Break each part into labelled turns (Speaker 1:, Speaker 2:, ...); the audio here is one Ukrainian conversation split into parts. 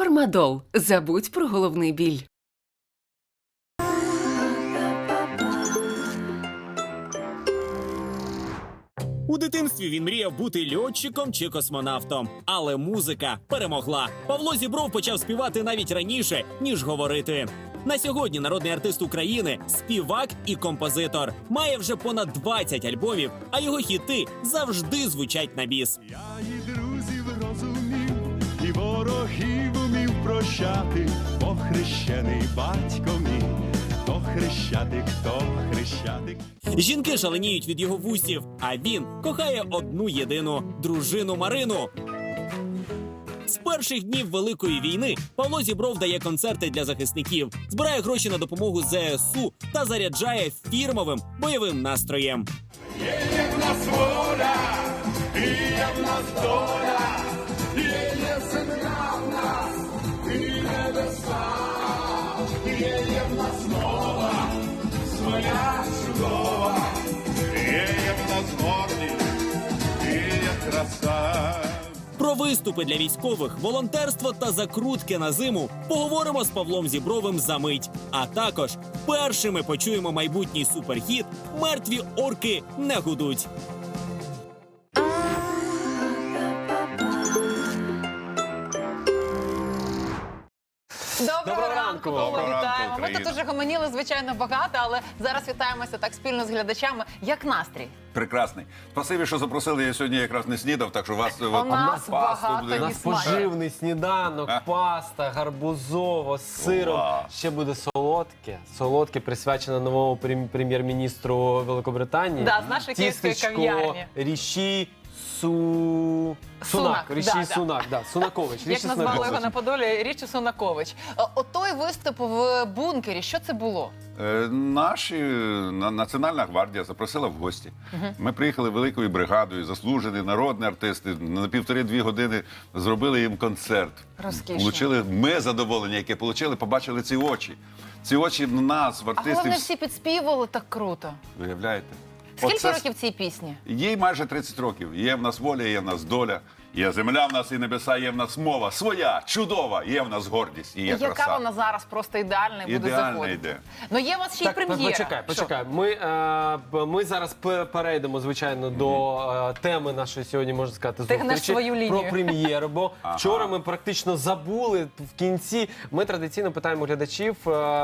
Speaker 1: Фармадол. Забудь про головний біль.
Speaker 2: У дитинстві він мріяв бути льотчиком чи космонавтом. Але музика перемогла. Павло Зібров почав співати навіть раніше, ніж говорити. На сьогодні народний артист України – співак і композитор. Має вже понад 20 альбомів, а його хіти завжди звучать на біс.
Speaker 3: Я і друзів розумів, і ворогів умів прощати, бо хрещений батько мій, хто хрещатик.
Speaker 2: Жінки шаленіють від його вустів, а він кохає одну єдину – дружину Марину. З перших днів Великої війни Павло Зібров дає концерти для захисників, збирає гроші на допомогу ЗСУ та заряджає фірмовим бойовим настроєм.
Speaker 3: Є в нас воля, і є в нас доля, є земля в нас, і небеса, є в нас мова, своя чудова, є в нас гордість, і є краса.
Speaker 2: Про виступи для військових, волонтерство та закрутки на зиму поговоримо з Павлом Зібровим за мить. А також першими почуємо майбутній суперхіт «Мертві орки не гудуть».
Speaker 4: Доброго ранку, Павло,
Speaker 3: Доброго ранку,
Speaker 4: вітаємо. Ми
Speaker 3: Україна.
Speaker 4: тут уже гомоніли, звичайно, багато, але зараз вітаємося так спільно з глядачами. Як настрій?
Speaker 5: Прекрасний. Спасибі, що запросили. Я сьогодні якраз не снідав, так що вас
Speaker 4: нас багато
Speaker 5: буде.
Speaker 4: і
Speaker 6: У нас поживний сніданок, паста, гарбузово, з сиром.
Speaker 5: Уа.
Speaker 6: Ще буде солодке. Солодке присвячене новому прем'єр-міністру Великобританії.
Speaker 4: Да, з нашої київської
Speaker 6: Тістечко
Speaker 4: кав'ярні.
Speaker 6: Ріші
Speaker 4: Сунак,
Speaker 6: Ріші
Speaker 4: да.
Speaker 6: Сунак, да. Сунакович.
Speaker 4: Як
Speaker 6: Ріші
Speaker 4: назвали
Speaker 6: Сунакович.
Speaker 4: його на Подолі, Річі Сунакович. Отой виступ в бункері, що це було?
Speaker 5: Національна гвардія запросила в гості. Ми приїхали великою бригадою, заслужені народні артисти. На 1,5-2 години зробили їм концерт.
Speaker 4: Розкішно.
Speaker 5: Получили ми задоволення, яке отримали, побачили ці очі. Ці очі в нас, в
Speaker 4: А
Speaker 5: артистів.
Speaker 4: головне, всі підспівували так круто.
Speaker 5: Виявляєте?
Speaker 4: Скільки
Speaker 5: Оце
Speaker 4: років цій пісні?
Speaker 5: Їй майже 30 років. Є в нас воля, є в нас доля, є земля в нас і небеса, є в нас мова своя, чудова, є в нас гордість, і є
Speaker 4: Яка
Speaker 5: краса.
Speaker 4: вона зараз просто ідеальна і буде
Speaker 5: Ідеально
Speaker 4: заходити?
Speaker 5: йде.
Speaker 4: Ну є у вас ще й прем'єра.
Speaker 6: Почекай. Ми зараз перейдемо, звичайно, до теми нашої сьогодні, можна сказати,
Speaker 4: Ти гнеш
Speaker 6: зустрічі
Speaker 4: свою лінію.
Speaker 6: про прем'єру. Бо вчора ми практично забули в кінці. Ми традиційно питаємо глядачів,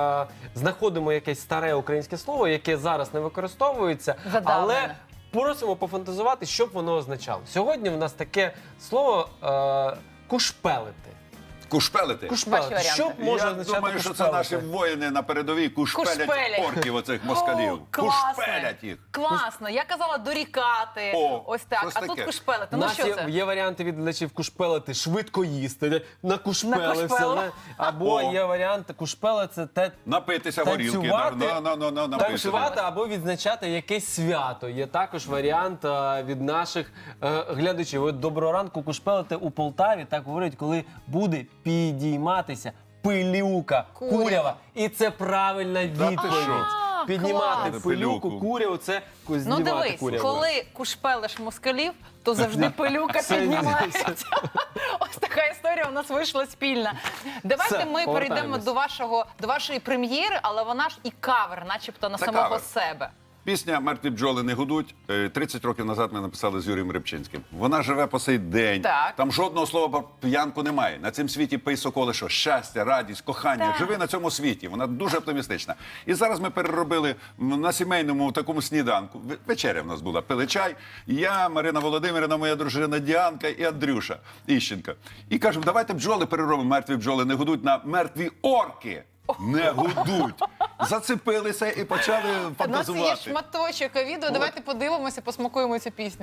Speaker 6: знаходимо якесь старе українське слово, яке зараз не використовується,
Speaker 4: Задавлене.
Speaker 6: але просимо пофантазувати, що б воно означало. Сьогодні в нас таке слово кушпелити.
Speaker 5: Кушпелити?
Speaker 4: Ваші
Speaker 6: Кушпелити.
Speaker 4: варіанти.
Speaker 6: Що б може
Speaker 5: Я
Speaker 6: означати
Speaker 5: думаю, що це
Speaker 6: кушпелити?
Speaker 5: наші воїни на передовій кушпелять
Speaker 4: Кушпелять.
Speaker 5: орків оцих москалів.
Speaker 4: О, класно.
Speaker 5: Кушпелять їх.
Speaker 4: Класно. Я казала дорікати.
Speaker 5: О,
Speaker 4: Ось так.
Speaker 5: щось
Speaker 4: А тут
Speaker 5: таке.
Speaker 4: кушпелити.
Speaker 6: У
Speaker 4: Ну
Speaker 6: нас
Speaker 4: що це?
Speaker 6: є варіанти від глядачів кушпелити, швидко їсти, накушпелився.
Speaker 4: Накушпелив.
Speaker 6: Або
Speaker 5: О.
Speaker 6: є варіант кушпели це
Speaker 5: Напитися горілки.
Speaker 6: танцювати,
Speaker 5: напитися.
Speaker 6: танцювати або відзначати якесь свято. Є також варіант від наших глядачів. От доброго ранку кушпелити у Полтаві, так говорять, коли буде підійматися пилюка,
Speaker 4: Курява.
Speaker 6: курява. І це правильна відповідь.
Speaker 4: А,
Speaker 6: Піднімати
Speaker 4: клас.
Speaker 6: пилюку,
Speaker 5: Пилюку.
Speaker 6: куряву, це
Speaker 4: Ну
Speaker 6: знімати
Speaker 4: дивись,
Speaker 6: куряву.
Speaker 4: коли кушпелиш москалів, то завжди пилюка
Speaker 6: Все
Speaker 4: піднімається. Ось така історія у нас вийшла спільна. Давайте
Speaker 6: Все,
Speaker 4: ми перейдемо
Speaker 6: повертаємось.
Speaker 4: до вашої прем'єри, але вона ж і кавер, начебто на
Speaker 5: Це
Speaker 4: самого
Speaker 5: кавер.
Speaker 4: себе.
Speaker 5: Пісня «Мертві бджоли не гудуть» 30 років назад ми написали з Юрієм Рибчинським. Вона живе по сей день.
Speaker 4: Так.
Speaker 5: Там жодного слова про п'янку немає. На цьому світі пий соколи, що щастя, радість, кохання.
Speaker 4: Так.
Speaker 5: Живи на цьому світі. Вона дуже оптимістична. І зараз ми переробили на сімейному такому сніданку. Вечеря в нас була. Пили чай. Я, Марина Володимирівна, моя дружина Діанка і Андрюша Іщенка. І кажемо, давайте бджоли переробимо. Мертві бджоли не гудуть на мертві орки. Не гудуть. Зацепилися і почали
Speaker 4: У нас є
Speaker 5: фантазувати.
Speaker 4: шматочок відео, давайте подивимося, посмакуємо цю пісню.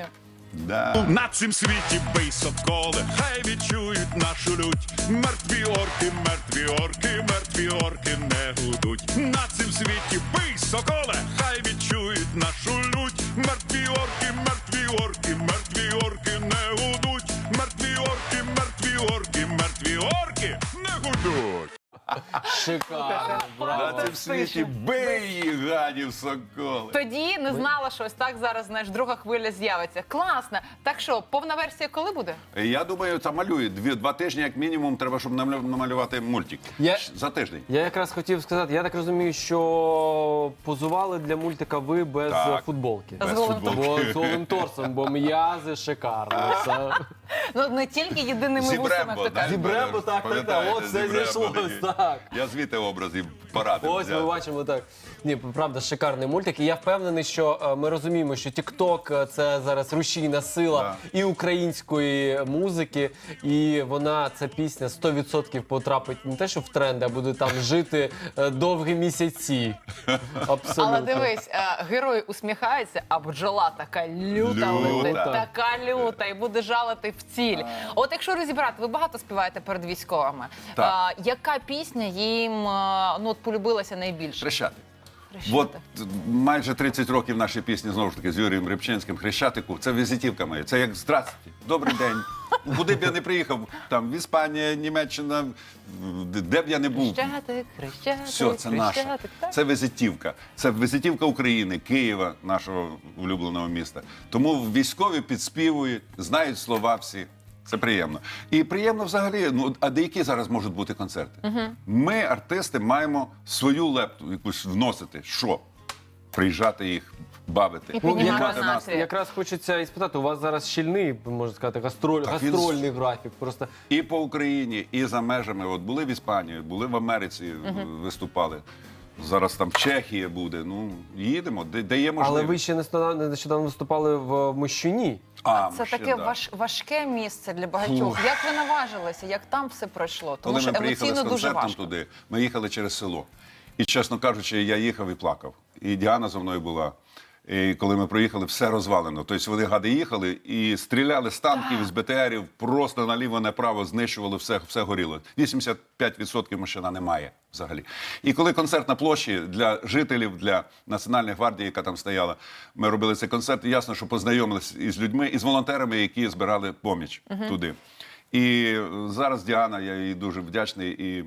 Speaker 5: Да.
Speaker 3: На цім світі бий соколи, хай відчують нашу лють. Мертві орки, мертві орки, мертві орки не гудуть. На цім світі бий соколи, хай відчують нашу лють. Мертві орки, мертві орки, мертві орки не гудуть. Мертві орки, мертві орки, мертві орки не гудуть.
Speaker 6: Шикарно,
Speaker 5: На
Speaker 6: браво.
Speaker 5: цім світі бий їх, гадів, соколи.
Speaker 4: Тоді не знала щось. Так зараз, знаєш, друга хвиля з'явиться. Класно. Так що, повна версія коли буде?
Speaker 5: Я думаю, це малює. Два тижні, як мінімум, треба, щоб намалювати мультик.
Speaker 6: Я-
Speaker 5: За тиждень.
Speaker 6: Я якраз хотів сказати, я так розумію, що позували для мультика ви без
Speaker 5: Так.
Speaker 6: футболки.
Speaker 4: З голим
Speaker 6: Бо з голим торсом, бо м'язи шикарно. Це-
Speaker 4: Ну, не тільки єдиними вусами,
Speaker 5: Зібрембо,
Speaker 4: хто каже.
Speaker 6: Зібрембо, так,
Speaker 5: Пам'ятаєте,
Speaker 6: от все
Speaker 5: Зібрембо
Speaker 6: зійшлось,
Speaker 5: такий.
Speaker 6: так.
Speaker 5: Я звідти образів порадив.
Speaker 6: Ось ми бачимо так. Ні, правда, шикарний мультик. І я впевнений, що ми розуміємо, що TikTok – це зараз рушійна сила і української музики, і вона, ця пісня 100% потрапить не те, що в тренди, а буде там жити довгі місяці. Абсолютно.
Speaker 4: Але дивись, герой усміхається, а бджола така люта летить,
Speaker 5: Люта.
Speaker 4: така люта, і буде жалити в ціль. От якщо розібрати, ви багато співаєте перед військовими.
Speaker 5: Так.
Speaker 4: Яка пісня їм ну, от полюбилася найбільше?
Speaker 5: Хрещатик.
Speaker 4: Хрещатик.
Speaker 5: От майже 30 років наші пісні, знову ж таки, з Юрієм Рибчинським, Хрещатику, це візитівка моя. Це як «Здравствуйте, добрий день». Куди б я не приїхав, там, в Іспанія, Німеччина, де б я не був.
Speaker 4: Хрещатик, хрещатик,
Speaker 5: Все, це наше.
Speaker 4: хрещатик, так?
Speaker 5: Це візитівка. Це візитівка України, Києва, нашого улюбленого міста. Тому військові підспівують, знають слова всі. Це приємно. І приємно взагалі, ну, а деякі зараз можуть бути концерти? Ми, артисти, маємо свою лепту якусь вносити. Що? Приїжджати їх, бавити.
Speaker 4: І піднімати
Speaker 6: якраз,
Speaker 4: настрій.
Speaker 6: якраз хочеться і спитати, у вас зараз щільний, можна сказати,
Speaker 5: Так він-
Speaker 6: гастрольний графік. Просто
Speaker 5: І по Україні, і за межами. От були в Іспанії, були в Америці, виступали. Зараз там Чехія буде. Ну, їдемо, де є можливість.
Speaker 6: але ви ще нещодавно виступали в Мощуні.
Speaker 4: Це
Speaker 5: ще,
Speaker 4: таке
Speaker 5: да.
Speaker 4: важке місце для багатьох. Як ви наважилися, як там все пройшло? Тому
Speaker 5: Коли
Speaker 4: що
Speaker 5: ми приїхали
Speaker 4: емоційно
Speaker 5: з
Speaker 4: дуже
Speaker 5: концертом
Speaker 4: важко.
Speaker 5: туди, ми їхали через село. І, чесно кажучи, я їхав і плакав. І Діана зі мною була. І коли ми проїхали, все розвалено. Тобто вони, гади, їхали і стріляли з танків, з БТРів, просто наліво-направо знищували все горіло. 85% машина немає взагалі. І коли концерт на площі для жителів, для Національної гвардії, яка там стояла, ми робили цей концерт, і ясно, що познайомилися із людьми, і з волонтерами, які збирали поміч туди. І зараз Діана, я їй дуже вдячний, і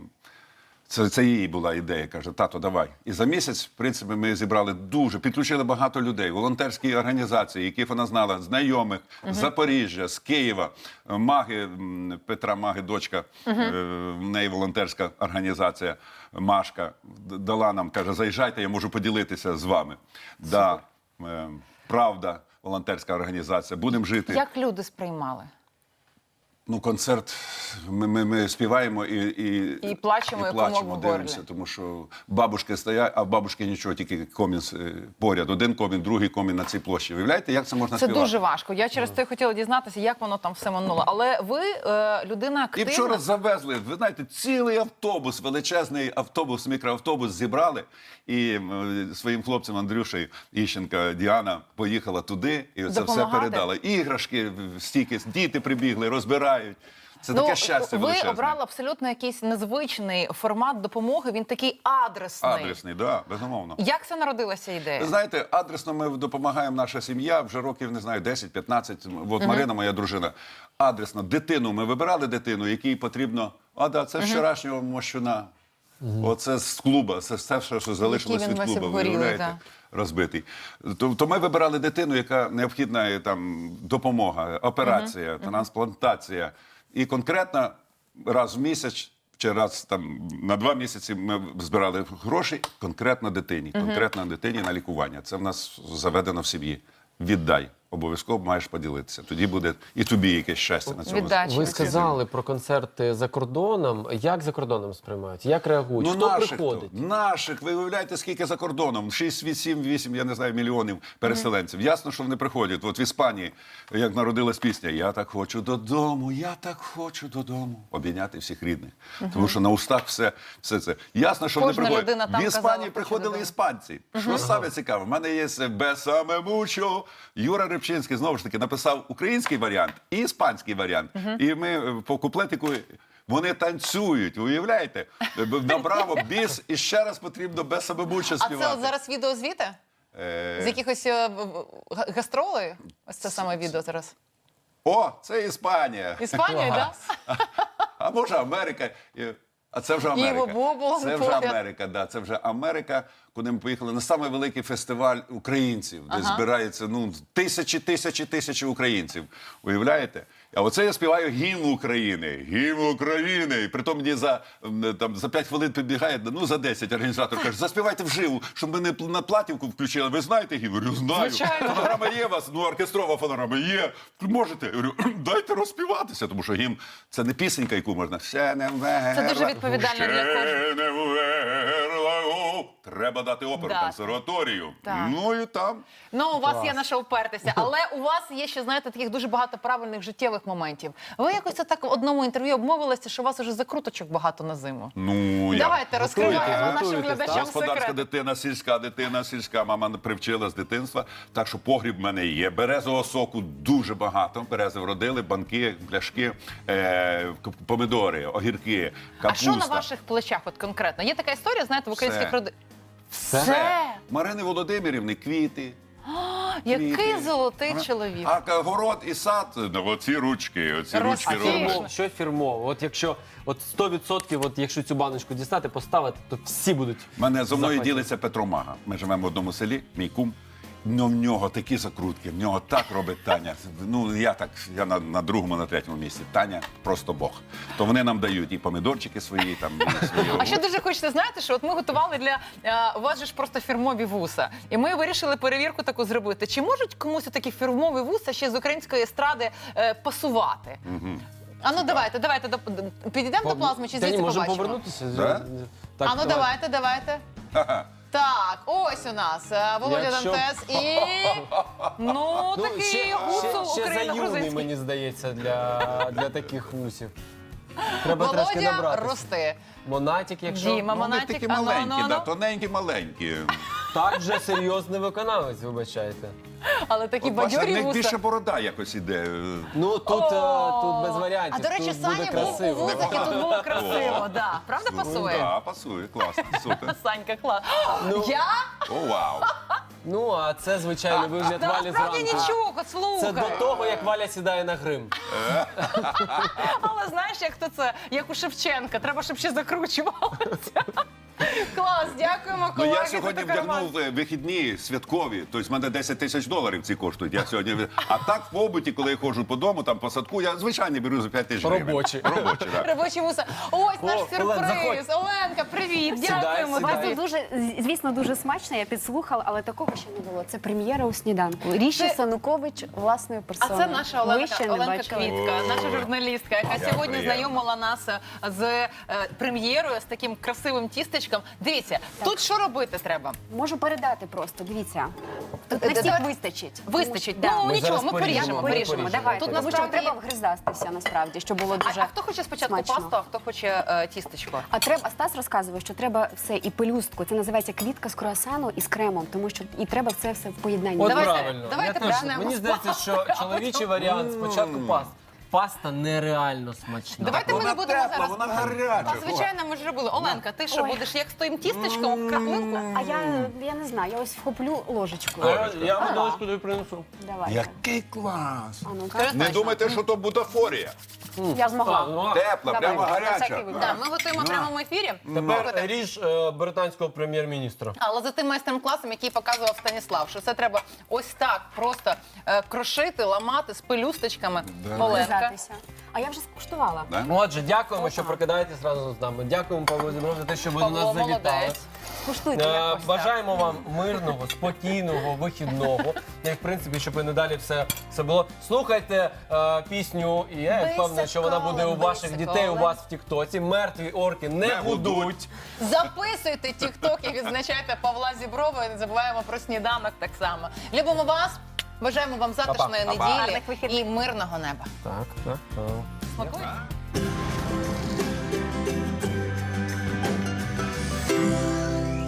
Speaker 5: це її була ідея. Каже, тато, давай. І за місяць, в принципі, ми зібрали підключили багато людей, волонтерські організації, яких вона знала, знайомих, з Запоріжжя, з Києва, Маги, Петра Маги, дочка, в неї волонтерська організація Машка, дала нам, каже, заїжджайте, я можу поділитися з вами. Да, Правда, волонтерська організація, будемо жити.
Speaker 4: Як люди сприймали?
Speaker 5: Ну, концерт, ми співаємо і
Speaker 4: плачемо, і комок в горлі.
Speaker 5: дивимося, тому що бабушки стоять, а в бабушки нічого, тільки комін поряд. Один комін, другий комін на цій площі. Виявляєте, як це можна
Speaker 4: Це
Speaker 5: співати?
Speaker 4: дуже важко. Я через те хотіла дізнатися, як воно там все минуло. Але ви людина
Speaker 5: І
Speaker 4: активна.
Speaker 5: вчора завезли, ви знаєте, цілий автобус, величезний автобус, мікроавтобус зібрали. І своїм хлопцям Андрюшею Іщенка, Діана поїхала туди і це все
Speaker 4: Допомагати?
Speaker 5: передала. Іграшки, стільки, діти прибігли, розбирають. Це таке щастя
Speaker 4: ви
Speaker 5: величезне.
Speaker 4: обрали абсолютно якийсь незвичний формат допомоги. Він такий адресний.
Speaker 5: Адресний, так, безумовно.
Speaker 4: Як це народилася ідея?
Speaker 5: Ви знаєте, адресно ми допомагаємо, наша сім'я вже років, не знаю, 10-15. От Марина, моя дружина, адресно. Дитину, ми вибирали дитину, якій потрібно, це з вчорашнього Мощуна. Оце з клуба, це все, що залишилось
Speaker 4: Який він
Speaker 5: від
Speaker 4: весь
Speaker 5: клуба,
Speaker 4: обгорілий,
Speaker 5: виявляєте? Розбитий. То ми вибирали дитину, яка необхідна там допомога, операція, трансплантація. І конкретно раз в місяць чи раз там на 2 місяці ми збирали гроші конкретно дитині, на лікування. Це в нас заведено в сім'ї. Віддай. Обов'язково маєш поділитися. Тоді буде і тобі якесь щастя на цьому.
Speaker 4: Віддача.
Speaker 6: Ви сказали про концерти за кордоном. Як за кордоном сприймають? Як реагують? Хто приходить?
Speaker 5: Наших, ви уявляєте, скільки за кордоном? 6, 7, 8, я не знаю, мільйонів переселенців. Ясно, що вони приходять. От в Іспанії, як народилась пісня «Я так хочу додому, я так хочу додому». Обійняти всіх рідних. Тому що на устах все це. Ясно, що
Speaker 4: Кожна
Speaker 5: вони приходять.
Speaker 4: людина там
Speaker 5: В
Speaker 4: казала,
Speaker 5: Іспанії
Speaker 4: «Хочу
Speaker 5: приходили
Speaker 4: додому».
Speaker 5: іспанці. Що саме цікаве? В мене є «Бесаме мучо». Юра Рибчинський, знову ж таки, написав український варіант і іспанський варіант. І ми по куплетику, вони танцюють, уявляєте? На браво, біс, і ще раз потрібно «Бесаме мучо»
Speaker 4: А
Speaker 5: співати.
Speaker 4: це от зараз відео звідти? З якихось гастролей? Ось це саме відео зараз.
Speaker 5: О, це Іспанія.
Speaker 4: Іспанія, так?
Speaker 5: А може Америка. А це вже
Speaker 4: Іво
Speaker 5: Америка.
Speaker 4: Бобол
Speaker 5: Це вже
Speaker 4: поряд.
Speaker 5: Америка, да. Це вже Америка, куди ми поїхали на самий великий фестиваль українців, де збирається тисячі українців. Уявляєте? А оце я співаю гімн України. Гімн України. І притом мені за 5 хвилин підбігає, за 10 організатор каже, заспівайте вживу, щоб ми не на платівку включили. Ви знаєте гімн? Я говорю, знаю.
Speaker 4: Звичайно.
Speaker 5: Фонограма є у вас? Оркестрова фонограма є. Можете? Я говорю, дайте розспіватися, тому що гімн – це не пісенька, яку можна. Ще не вмерла.
Speaker 4: Це дуже відповідально для кожного.
Speaker 5: Ще не вмерла. Треба дати оперу,
Speaker 4: Да.
Speaker 5: консерваторію.
Speaker 4: Так.
Speaker 5: Ну і там.
Speaker 4: Ну, у вас є на що впертися, але у вас є ще, знаєте, таких дуже багато правильних життєвих моментів. Ви якось так в одному інтерв'ю обмовилися, що у вас уже закруточок багато на зиму.
Speaker 5: Ну, я...
Speaker 4: Давайте розкриваємо нашим
Speaker 6: готуйтесь,
Speaker 4: глядачам
Speaker 5: Господарська
Speaker 4: секрет.
Speaker 5: дитина, сільська. Мама привчила з дитинства. Так що погріб в мене є. Березового соку дуже багато. Берези вродили, банки, пляшки, помидори, огірки,
Speaker 4: А
Speaker 5: капуста.
Speaker 4: що на ваших плечах от конкретно? Є така історія, знаєте, в українських
Speaker 5: Все.
Speaker 4: родинах.
Speaker 5: Все. Марини Володимирівни, квіти.
Speaker 4: Який
Speaker 5: Квіти.
Speaker 4: золотий чоловік.
Speaker 5: А город і сад, оці ручки
Speaker 4: Розкішно.
Speaker 5: роблять.
Speaker 6: Що фірмово? От якщо 100%, якщо цю баночку дістати, поставити, то всі будуть.
Speaker 5: Мене зо мною
Speaker 6: захвачені.
Speaker 5: ділиться Петро Мага. Ми живемо в одному селі, мій кум. Ну, в нього такі закрутки, в нього так робить Таня. Ну, я на другому, на третьому місці. Таня просто Бог. То вони нам дають і помідорчики свої, там, і свої.
Speaker 4: А ще дуже хочеться знаєте, що от ми готували для у вас же ж просто фірмові вуса. І ми вирішили перевірку таку зробити. Чи можуть комусь такі фірмові вуса ще з української естради пасувати? А ну давайте підійдемо до плазми чи
Speaker 6: Та ні,
Speaker 4: звідси
Speaker 6: можемо
Speaker 4: побачимо?
Speaker 6: повернутися.
Speaker 5: Да?
Speaker 6: Так,
Speaker 4: А ну давайте.
Speaker 5: Ха-ха.
Speaker 4: Так, ось у нас Володя
Speaker 6: Якщо-
Speaker 4: Дантес і ну такий гусу
Speaker 6: ще заюний,
Speaker 4: україно-грузинський.
Speaker 6: мені здається, для таких вусів. Треба трошки
Speaker 4: Володя,
Speaker 6: набратися.
Speaker 4: рости.
Speaker 6: Монатик, якщо...
Speaker 4: Діма,
Speaker 5: Ну, вони
Speaker 4: Монатик,
Speaker 5: такі
Speaker 4: ану,
Speaker 5: маленькі,
Speaker 4: ану,
Speaker 5: да,
Speaker 4: ану.
Speaker 5: тоненькі, маленькі.
Speaker 6: Так вже серйозний виконавець, вибачайте.
Speaker 4: Але такі
Speaker 5: От, бачите, в
Speaker 4: бадьорі
Speaker 5: них
Speaker 4: вуса.
Speaker 5: більше борода якось іде.
Speaker 6: Ну, тут без варіантів.
Speaker 4: А до речі,
Speaker 6: тут буде
Speaker 4: Саня був у
Speaker 6: красиво.
Speaker 4: вусах і тут було красиво. Да. Правда пасує?
Speaker 5: Так, пасує, класно, супер.
Speaker 4: Санька, клас. Я?
Speaker 5: О, вау.
Speaker 6: Ну, а це звичайний вигляд
Speaker 4: Та
Speaker 6: Валі
Speaker 4: насправді
Speaker 6: зранку.
Speaker 4: нічого, от слухай.
Speaker 6: Це до того, як Валя сідає на грим.
Speaker 4: Але знаєш, як то це? Як у Шевченка. Треба, щоб ще закручувалося. Клас, дякуємо,
Speaker 5: Ну,
Speaker 4: колеги.
Speaker 5: я сьогодні
Speaker 4: за такий
Speaker 5: вдягнув вихідні святкові, тобто в мене 10 тисяч доларів ці коштують. Я сьогодні... А так в побуті, коли я ходжу по дому, там по садку, я звичайно беру за 5 тисяч гривень.
Speaker 6: Робочі.
Speaker 5: Робочі, так.
Speaker 4: Робочі вуса. Ось наш
Speaker 6: Олен,
Speaker 4: сюрприз. Оленка, привіт. Дякуємо.
Speaker 6: сідай.
Speaker 4: Тобі.
Speaker 7: Це дуже, звісно, дуже смачно, я підслухала, але такого ще не було. Це прем'єра у сніданку. Ріші
Speaker 4: Це-
Speaker 7: Санукович власною
Speaker 4: А
Speaker 7: персоною.
Speaker 4: це наша
Speaker 7: Ви ще не
Speaker 4: Оленка
Speaker 7: бачили.
Speaker 4: Квітка, наша журналістка, яка
Speaker 5: Як
Speaker 4: сьогодні
Speaker 5: приємно.
Speaker 4: знайомила нас з прем'єрою, з таким красивим тістечком. Дивіться, тут що робити треба?
Speaker 7: Можу передати просто, дивіться. Тут
Speaker 4: Е,
Speaker 7: на всіх
Speaker 4: давай-
Speaker 7: вистачить.
Speaker 4: Вистачить.
Speaker 7: Тому що-
Speaker 4: Ну
Speaker 6: Ми
Speaker 4: нічого,
Speaker 6: зараз
Speaker 4: ми
Speaker 6: поріжемо,
Speaker 4: поріжемо.
Speaker 6: ми
Speaker 4: поріжемо.
Speaker 6: поріжемо.
Speaker 7: Давайте,
Speaker 4: Тут
Speaker 7: тому що
Speaker 4: насправді
Speaker 7: треба вгризатися, насправді, щоб було дуже
Speaker 4: А хто хоче спочатку
Speaker 7: смачно.
Speaker 4: пасту, а хто хоче тістечко?
Speaker 7: А треба, Стас розказував, що треба все і пелюстку. Це називається квітка з круасану і з кремом, тому що і треба це все в поєднанні.
Speaker 6: От
Speaker 4: Давайте-
Speaker 6: правильно.
Speaker 4: давайте
Speaker 6: Я теж-
Speaker 4: почнемо
Speaker 6: Мені
Speaker 4: з
Speaker 6: здається, що чоловічий варіант спочатку паста. Паста нереально смачна.
Speaker 4: Давайте ми не
Speaker 5: Вона
Speaker 4: будемо
Speaker 5: тепла,
Speaker 4: зараз.
Speaker 5: вона гаряча.
Speaker 4: А звичайно, ми ж робили. Оленка, ти що
Speaker 7: Ой.
Speaker 4: будеш як з тим тістечком краплинку?
Speaker 7: А я не знаю, я ось вхоплю ложечку.
Speaker 6: Я водичку тобі принесу.
Speaker 7: Давайте.
Speaker 5: Який клас!
Speaker 7: А ну-ка.
Speaker 4: Скажи
Speaker 5: Не
Speaker 4: точно.
Speaker 5: думайте, що то бутафорія.
Speaker 7: Я змогла.
Speaker 6: ну,
Speaker 5: Тепла,
Speaker 7: Давай,
Speaker 5: прямо
Speaker 7: на
Speaker 5: гаряча.
Speaker 7: всякий випадок.
Speaker 4: Да, ми готуємо в прямому ефірі.
Speaker 6: Тепер ріж британського прем'єр-міністра.
Speaker 4: Але за тим майстер-класом, який показував Станіслав, що це треба ось так просто крошити, ламати з пелюсточками. Оленка.
Speaker 7: Вгризатися. А я вже скуштувала.
Speaker 5: Да?
Speaker 6: Отже, дякуємо, що прокидаєтесь разом з нами. Дякуємо, Павло Зібров, за те, що ви до
Speaker 4: Павло
Speaker 6: нас завітали.
Speaker 4: молодець.
Speaker 7: Скуштуйте якось.
Speaker 6: Бажаємо вам мирного, спокійного, вихідного. І, в принципі, щоб і надалі все було. Слухайте пісню, і я впевнений, що вона буде у ваших
Speaker 4: Бисиколе.
Speaker 6: дітей, у вас в Тіктоці. Мертві орки не гудуть.
Speaker 4: Записуйте тік-ток і відзначайте Павла Зіброва. І не забуваємо про сніданок так само. Любимо вас. Бажаємо вам затишної
Speaker 6: Па-па.
Speaker 4: неділі
Speaker 7: Гарних вихідних.
Speaker 4: і мирного неба.
Speaker 6: Так.
Speaker 4: Смакуй.